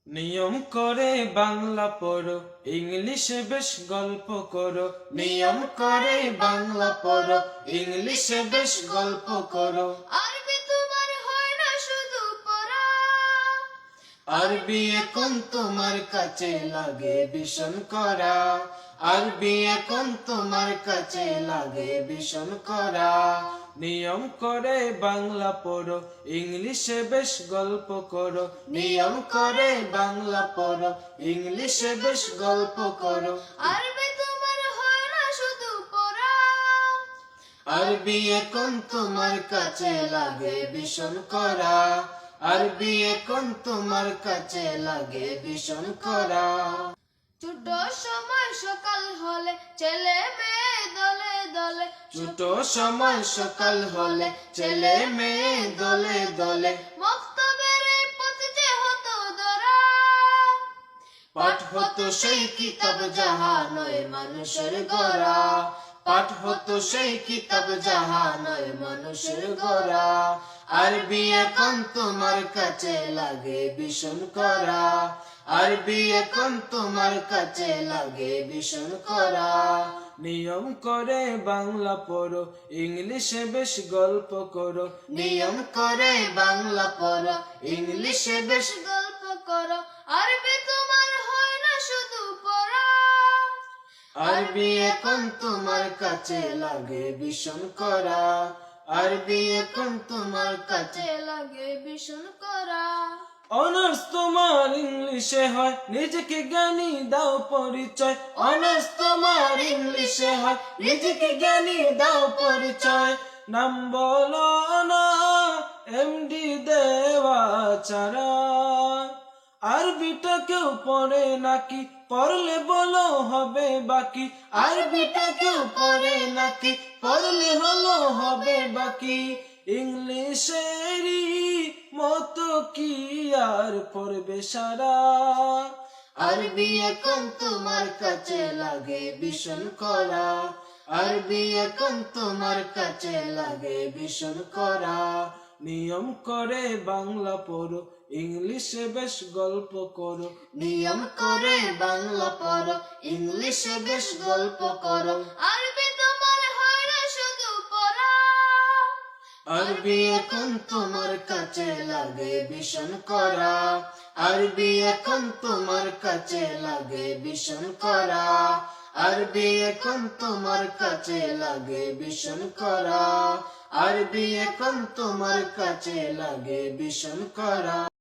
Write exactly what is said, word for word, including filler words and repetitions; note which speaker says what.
Speaker 1: নিয়ম করে বাংলা পড়ো, ইংলিশে বেশ গল্প করো। নিয়ম করে বাংলা পড়ো, ইংলিশে বেশ গল্প করো।
Speaker 2: আরবি তোমার হয় না শুধু পড়া,
Speaker 1: আরবি এখন তোমার কাছে লাগে ভীষণ করা। আরবি এখন তোমার কাছে লাগে ভীষণ করা। নিয়ম করে বাংলা পড়ো, ইংলিশে বেশ গল্প করো। নিয়ম করে বাংলা পড়ো, ইংলিশে বেশ গল্প করো।
Speaker 2: আরবি তোমার হয় না শুধু পড়া,
Speaker 1: আরবি এখন তোমার কাছে লাগে ভীষণ করা। আরবি এখন তোমার কাছে লাগে ভীষণ করা।
Speaker 2: ছোট সময় সকাল হলে ছেলে মেয়ে দলে দলে,
Speaker 1: ছোট সময় সকাল হলে ছেলে মেয়ে দলে দলে,
Speaker 2: মক্তবের এই পথ যে হতো দরা,
Speaker 1: পাঠ হতো সেই কিতাব যাহা নয় মানুষের গড়া। পাঠ হতো সেই কিতাব যাহা নয় মানুষের গড়া। আরবি এখন তোমার কাছে লাগে ভীষণ করা। আরবি এখন তোমার কাছে লাগে ভীষণ করা। নিয়ম করে বাংলা পড়ো, ইংলিশে বেশ গল্প করো। নিয়ম করে বাংলা পড়ো, ইংলিশে বেশ
Speaker 2: গল্প করো। আরবি তোমার হয় না শুধু পড়া,
Speaker 1: আরবি এখন তোমার কাছে লাগে ভীষণ করা। আরবি এখন তোমার কাছে
Speaker 2: কাছে লাগে ভীষণ করা।
Speaker 1: অনার্স তোমার ইংলিশে হয়, নিজেকে জ্ঞানী দাও পরিচয়। অনার্স তোমার ইংলিশে হয়, নিজেকে জ্ঞানী দাও পরিচয়। নাম বলো না এমডি দেওয়া ছাড়া। আরবিটা কেউ পড়ে নাকি, পড়লে বলো হবে বাকি। আরবিটা কেউ পড়ে নাকি, পড়লে হলো হবে বাকি। ইংলিশেরই মতো কি আর পড়বে সারা। আরবি এখন তোমার কাছে লাগে ভীষণ করা। আরবি এখন তোমার কাছে লাগে ভীষণ করা। নিয়ম করে বাংলা পড়ো, ইংলিশে বেশ গল্প করো। নিয়ম করে বাংলা পড়ো, ইংলিশে বেশ গল্প করো।
Speaker 2: আরবি তোমার হয় না শুধু পড়া,
Speaker 1: আরবি এখন তোমার কাছে লাগে ভীষণ করা। আরবি এখন তোমার কাছে লাগে ভীষণ করা। আরবি এখন তোমার কাছে লাগে ভীষণ করা। আরবি এখন তোমার কাছে লাগে ভীষণ করা।